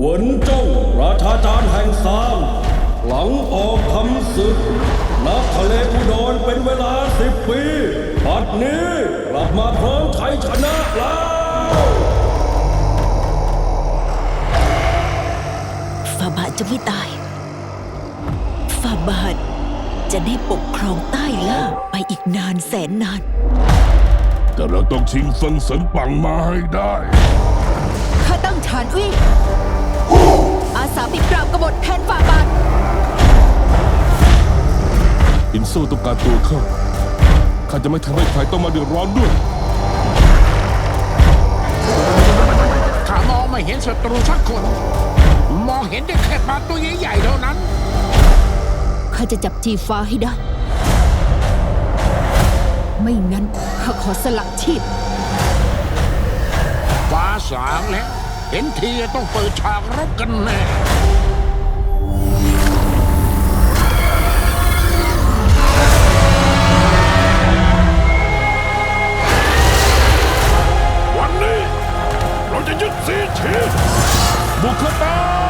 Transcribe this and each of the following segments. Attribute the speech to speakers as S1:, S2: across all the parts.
S1: หวนจ้องราชาจารย์แห่งซามหลังออกคำศึกณทะเลอุดรเป็นเวลา10 ปีบัดนี้กลับมาพร้อมชัยชนะแล้ว
S2: ฝ่าบาทจะไม่ตายฝ่าบาทจะได้ปกครองใต้ล่าไปอีกนานแสนนาน
S3: แต่เราต้องชิงเฟิงเสินปังมาให้ได้
S2: ข้าตั้งฐานอุ้ยอาสาไปปราบกบฏแทนฝ่าบาท
S3: อินโซต้องการตัวข้าจะไม่ทำให้ใครต้องมาเดือดร้อนด้วย
S4: ข้ามองไม่เห็นศัตรูสักคนมองเห็นได้แค่ปลาตัวใหญ่ๆเท่านั้น
S2: ข้าจะจับจีฟ้าให้ได้ไม่งั้นข้าขอสละชีพ
S4: ฟ้าสางแล้วเห็นทีต้องเปิดฉากรบกันแน่
S3: วันนี้เราจะยึดซีชีบุกเข้าไป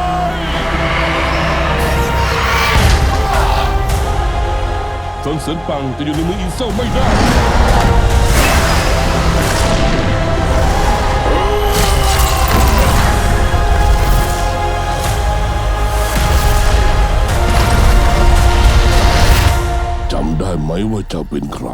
S3: เฟิงเสินปังจะอยู่ในมืออินโซไม่ได้จำได้ไหมว่าเจ้าเป็นใคร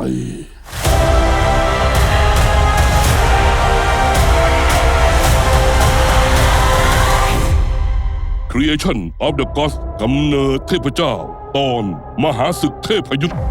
S3: Creation of the Gods กำเนิดเทพเจ้าตอนมหาศึกเทพยุทธ